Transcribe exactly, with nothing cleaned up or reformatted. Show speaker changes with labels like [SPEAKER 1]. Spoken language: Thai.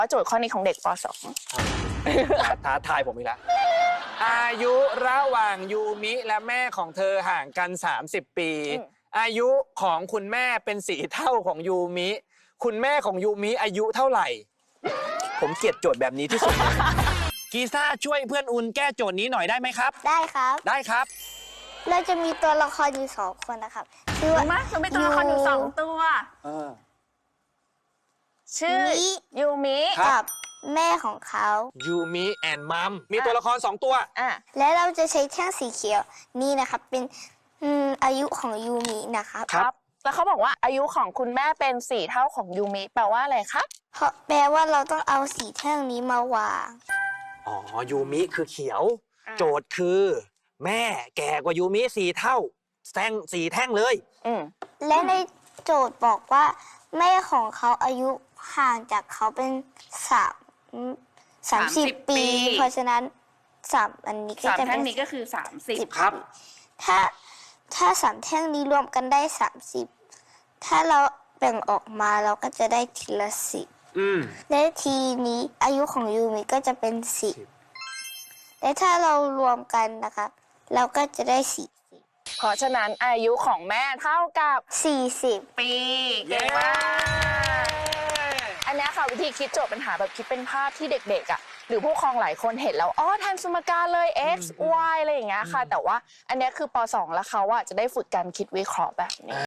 [SPEAKER 1] ว่าโจทย์ข้อนี้ของเด็กป .สอง
[SPEAKER 2] ท้าทายผมอีกแล้วอายุระหว่างยูมิและแม่ของเธอห่างกันสามสิบปีอายุของคุณแม่เป็นสี่เท่าของยูมิคุณแม่ของยูมิอายุเท่าไหร่ผมเกลียดโจทย์แบบนี้ที่สุดกีซ่าช่วยเพื่อนอุ่นแก้โจทย์นี้หน่อยได้ไหมครับ
[SPEAKER 3] ได้ครับ
[SPEAKER 2] ได้ครับ
[SPEAKER 3] เราจะมีตัวละครอยู่สองคนนะครับชื่อว่า
[SPEAKER 1] มาเราเป็นตัวละครอยู่สองตัวชื่อยูมิ
[SPEAKER 3] กับแม่ของเขา
[SPEAKER 2] ยูมิแอนมัมมีตัวละครสองตัว
[SPEAKER 1] อ่ะ
[SPEAKER 3] และเราจะใช้แท่งสีเขียวนี่นะครับเป็นอืมอายุของยูมินะครับ
[SPEAKER 1] ครับ แล้วเขาบอกว่าอายุของคุณแม่เป็นสี่เท่าของยูมิแปลว่าอะไรครับ
[SPEAKER 3] เพราะแปลว่าเราต้องเอาสีแท่งนี้มาวาง
[SPEAKER 2] อ๋อยูมิคือเขียว โจทย์คือ แม่แก่กว่ายูมิสี่เท่าแท่งสี่แท่งเลย
[SPEAKER 1] อืม
[SPEAKER 3] และในโจทย์บอกว่า แม่ของเขาอายุห่างจากเขาเป็นสามสามสิบปี เพราะฉะนั้นสามอันนี้ก็
[SPEAKER 1] สาม
[SPEAKER 3] จะ
[SPEAKER 1] แท่
[SPEAKER 3] เป็
[SPEAKER 1] ง
[SPEAKER 3] น
[SPEAKER 1] นี้ก็คือสามสิบ
[SPEAKER 2] ครับ
[SPEAKER 3] ถ้าถ้าสามแท่งนี้รวมกันได้สามสิบถ้าเราแบ่งออกมาเราก็จะได้ทีละสิบ
[SPEAKER 2] อืม
[SPEAKER 3] และทีนี้อายุของยูมิก็จะเป็นสิบและถ้าเรารวมกันนะครับเราก็จะได้สี่สิบ
[SPEAKER 1] เพราะฉะนั้นอายุของแม่เท่ากับ
[SPEAKER 3] สี่สิบ
[SPEAKER 1] ปีเก่งมากอันนี้ค่ะวิธีคิดโจทย์ปัญหาแบบคิดเป็นภาพที่เด็กๆอ่ะหรือผู้ปกครองหลายคนเห็นแล้วอ๋อแทนสมการเลย x y อะไรอย่างเงี้ยค่ะแต่ว่าอันนี้คือป .สอง แล้วเขาอ่ะจะได้ฝึกการคิดวิเคราะห์แบบนี้